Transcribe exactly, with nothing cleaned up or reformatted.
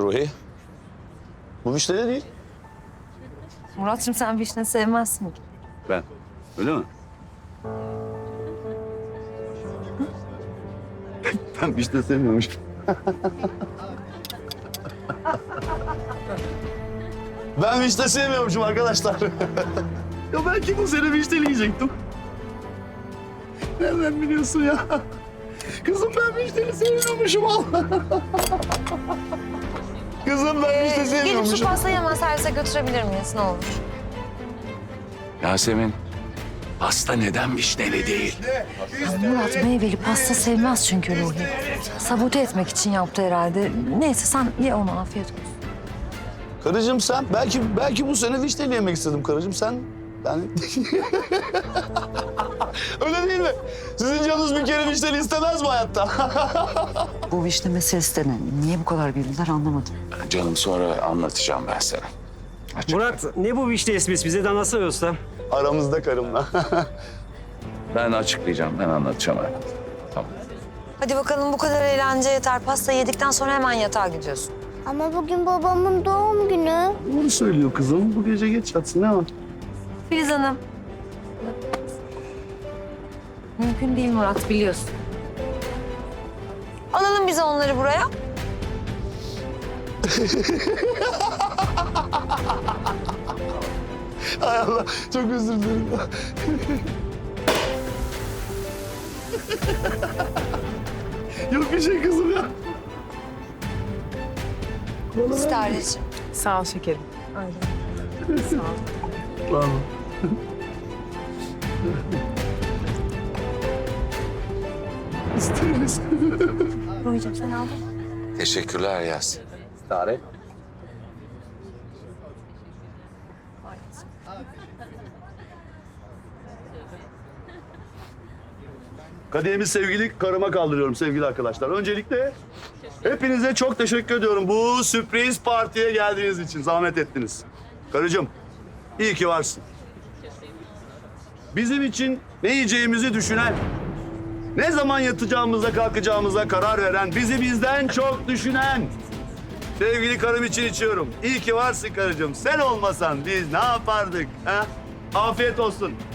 Ruhi. Bu vişne de değil. Murat'cığım sen vişne sevmezsin ki. Ben. Öyle mi? Ben vişne sevmiyormuşum. Ben vişne sevmiyormuşum arkadaşlar. Ya belki bu sene vişneli yiyecektim. Nereden biliyorsun ya? Kızım ben vişneli sevmiyormuşum Allah. Kızım ben vişne Gelip şu sevmiyormuşum. pastayı hemen servise götürebilir miyiz ne olur? Yasemin, pasta neden vişneli değil? Ya Murat meyveli pasta sevmez çünkü Ruhi. Sabote etmek için yaptı herhalde. Neyse sen ye onu afiyet olsun. Karıcığım sen, belki belki bu sene vişneli yemek istedim karıcığım sen. Yani... Öyle değil mi? Sizin canınız bir kere vişneli istemez mi hayatta? Bu vişne meselesi de ne? Niye bu kadar güldüler anlamadım. Canım sonra anlatacağım ben sana. Açık. Murat ne bu vişne esmesi bize de anlatsana usta. Aramızda karımla. Ben açıklayacağım, ben anlatacağım hayatım. Tamam. Hadi bakalım bu kadar eğlence yeter. Pasta yedikten sonra hemen yatağa gidiyorsun. Ama bugün babamın doğum günü. Doğru söylüyor kızım. Bu gece geç yatsın ne var? Filiz Hanım. Mümkün değil Murat biliyorsun. Alalım bize onları buraya. Hay Allah, çok özür dilerim. Yok bir şey kızım ya. İsterdiğim. Sağ ol şekerim. Tamam. İsteriz. Ruhi'cim sen aldın. Teşekkürler Yasemin. Tarih. Kadehimi sevgili karıma kaldırıyorum sevgili arkadaşlar. Öncelikle hepinize çok teşekkür ediyorum bu sürpriz partiye geldiğiniz için. Zahmet ettiniz. Karıcığım, iyi ki varsın. Bizim için ne yiyeceğimizi düşünen, ne zaman yatacağımıza kalkacağımıza karar veren, bizi bizden çok düşünen sevgili karım için içiyorum. İyi ki varsın karıcığım. Sen olmasan biz ne yapardık? Ha? Afiyet olsun.